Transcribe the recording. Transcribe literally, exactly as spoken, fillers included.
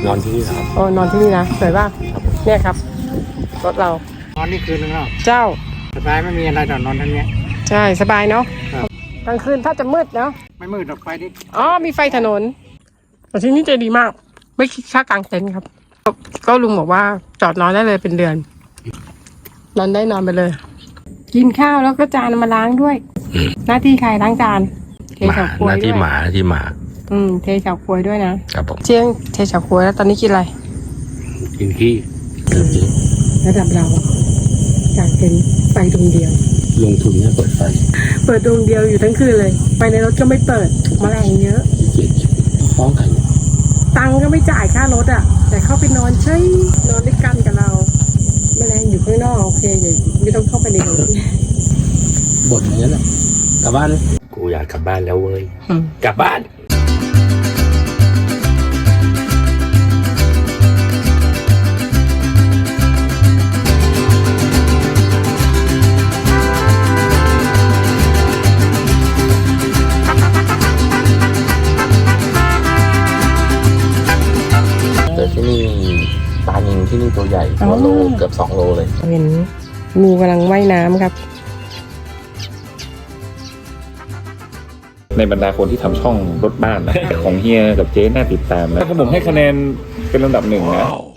นอนที่นี่ครับโอ้นอนที่นี่นะสวยป่ะเนี่ยครับรถเรานอนนี่คืนนึงแล้วเจ้าสบายไม่มีอะไรแต่นอนทั้งนี้ใช่สบายเนาะกลางคืนถ้าจะมืดเนาะไม่มืดหรอกไฟนิดอ๋อมีไฟถนนแต่ที่นี่ใจดีมากไม่คิดค่ากางเต็นท์ครับก็ลุงบอกว่าจอดนอนได้เลยเป็นเดือนนอนได้นอนไปเลยกินข้าวแล้วก็จานมาล้างด้วยหน้าที่ใครล้างจานเทเฉาก๊วยด้วยหน้าที่หมาหน้าที่หมาอืมเทเฉาก๊วยด้วยนะครับผมเชียงเทเฉาก๊วยแล้วตอนนี้กินอะไรกินขี้ระดับเรากางเต็นท์ไฟดวงเดียวลงทุนเนี่ยเปิดไฟเปิดดวงเดียวอยู่ทั้งคืนเลยไฟในรถก็ไม่เปิดแมลงเยอะฟ้องกันตังก็ไม่จ่ายค่ารถอ่ะแต่เข้าไปนอนใช่นอนด้วยกันกับเราแมลงอยู่ข้างนอกโอเคอย่าไม่ต้องเข้าไปในรถบ่นอย่างนั้นแหละกลับบ้านกูอยากกลับบ้านแล้วเว้ยกลับบ้านแต่ที่นี่ปลานิลที่นี่ตัวใหญ่หัวโลเกือบสองโลเลยเห็นงูกำลังว่ายน้ำครับในบรรดาคนที่ทำช่องรถบ้านนะของเฮียกับเจ๊น่าติดตามนะผมให้คะแนนเป็นลำดับหนึ่งนะ